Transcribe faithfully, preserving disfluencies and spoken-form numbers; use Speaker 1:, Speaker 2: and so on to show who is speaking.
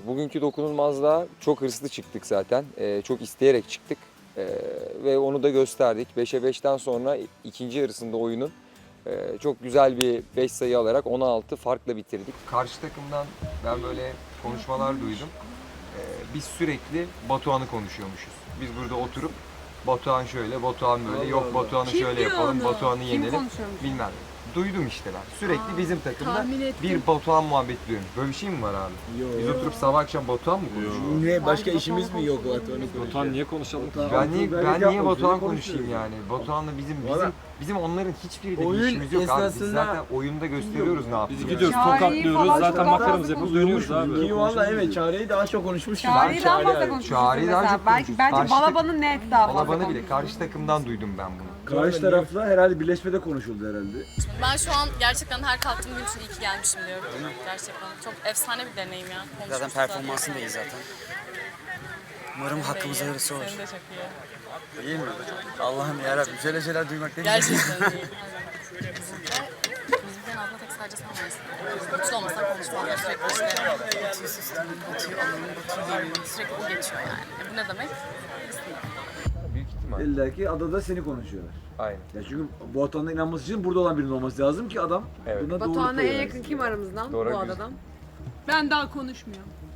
Speaker 1: Bugünkü dokunulmazlığa çok hırslı çıktık zaten. Ee, çok isteyerek çıktık. Ee, ve onu da gösterdik. beşe beşten sonra ikinci yarısında oyunun e, çok güzel bir beş sayı alarak on altı farkla bitirdik. Karşı takımdan ben böyle konuşmalar duydum. Ee, biz sürekli Batuhan'ı konuşuyormuşuz. Biz burada oturup Batuhan şöyle, Batuhan böyle,
Speaker 2: Allah
Speaker 1: yok
Speaker 2: Allah.
Speaker 1: Batuhan'ı
Speaker 3: Kim
Speaker 1: şöyle
Speaker 3: diyor
Speaker 1: yapalım,
Speaker 3: onu?
Speaker 1: Batuhan'ı
Speaker 3: Kim
Speaker 1: yenelim.
Speaker 3: konuşuyormuş?
Speaker 1: Bilmem. Duydum işte ben. Sürekli
Speaker 3: Aa,
Speaker 1: bizim takımda
Speaker 3: tahmin ettim.
Speaker 1: bir Batuhan muhabbeti duyuyorum. Böyle bir şey mi var abi?
Speaker 2: Yo.
Speaker 1: Biz oturup sabah akşam Batuhan mı konuşuyoruz?
Speaker 2: Ne başka
Speaker 3: Batuhan
Speaker 2: işimiz mi yok
Speaker 3: konuşalım.
Speaker 2: Batuhan'ı
Speaker 4: Batuhan niye konuşalım ki?
Speaker 1: Ben niye, ben
Speaker 2: Belki
Speaker 1: niye
Speaker 2: yapma,
Speaker 1: Batuhan
Speaker 2: sürekli
Speaker 1: konuşayım
Speaker 2: konuşuyoruz.
Speaker 1: yani? Batuhan'la bizim
Speaker 2: Valla.
Speaker 1: bizim bizim onların hiçbiriyle bir
Speaker 2: Oyun
Speaker 1: işimiz yok abi. Biz
Speaker 2: esnasında-
Speaker 1: zaten oyunda gösteriyoruz ne yaptığımızı.
Speaker 4: Biz gidiyoruz,
Speaker 3: Çağrı'yı
Speaker 4: tokatlıyoruz,
Speaker 3: falan
Speaker 4: zaten
Speaker 3: çok
Speaker 4: makaramızı
Speaker 3: fazla
Speaker 4: yapıp dönüyoruz abi.
Speaker 2: Ki valla evet Çağrı'yı daha çok konuşmuştum.
Speaker 3: Çağrı'yı daha fazla
Speaker 2: Çağrı-
Speaker 3: konuşmuşuz
Speaker 1: Çağrı'yı daha
Speaker 3: mesela.
Speaker 1: çok
Speaker 3: Belki,
Speaker 1: konuşmuşuz.
Speaker 3: bence
Speaker 1: Karşı-
Speaker 3: Balaban'ın net daha fazla
Speaker 1: Balaban'ı bile
Speaker 3: konuşmuşuz.
Speaker 1: karşı takımdan duydum ben bunu.
Speaker 2: Karşı tarafla herhalde birleşmede konuşuldu herhalde.
Speaker 5: Ben şu an gerçekten her kalktığım gün için iyi ki gelmişim diyorum. Gerçekten çok efsane bir deneyim ya.
Speaker 6: Zaten
Speaker 5: Konuşmuştuk
Speaker 6: performansın da iyi zaten. Umarım hakkımıza hayırlısı olur.
Speaker 5: Senin de çok iyi.
Speaker 6: İyi mi? Allah'ım yarabbim şöyle şeyler duymak ne güzel.
Speaker 5: Gerçekten iyi. Ve müzikten aslında tek sadece sen varsın. Güçlü olmasan konuşmam. Sürekli işte batıyor sistem, batıyor alanım, batıyor yerim. Sürekli o geçiyor yani. E bu ne demek?
Speaker 1: Büyük ihtimal.
Speaker 2: İlla ki adada seni konuşuyorlar.
Speaker 1: Aynen.
Speaker 2: Ya çünkü Batuhan'da inanması için burada olan birinin olması lazım ki adam
Speaker 1: Evet.
Speaker 2: buna doğruluk
Speaker 3: Batuhan'a en
Speaker 2: veriyor.
Speaker 3: yakın kim aramızdan
Speaker 1: Doğru,
Speaker 3: bu
Speaker 1: güzel.
Speaker 3: adadan?
Speaker 7: Ben daha konuşmuyorum.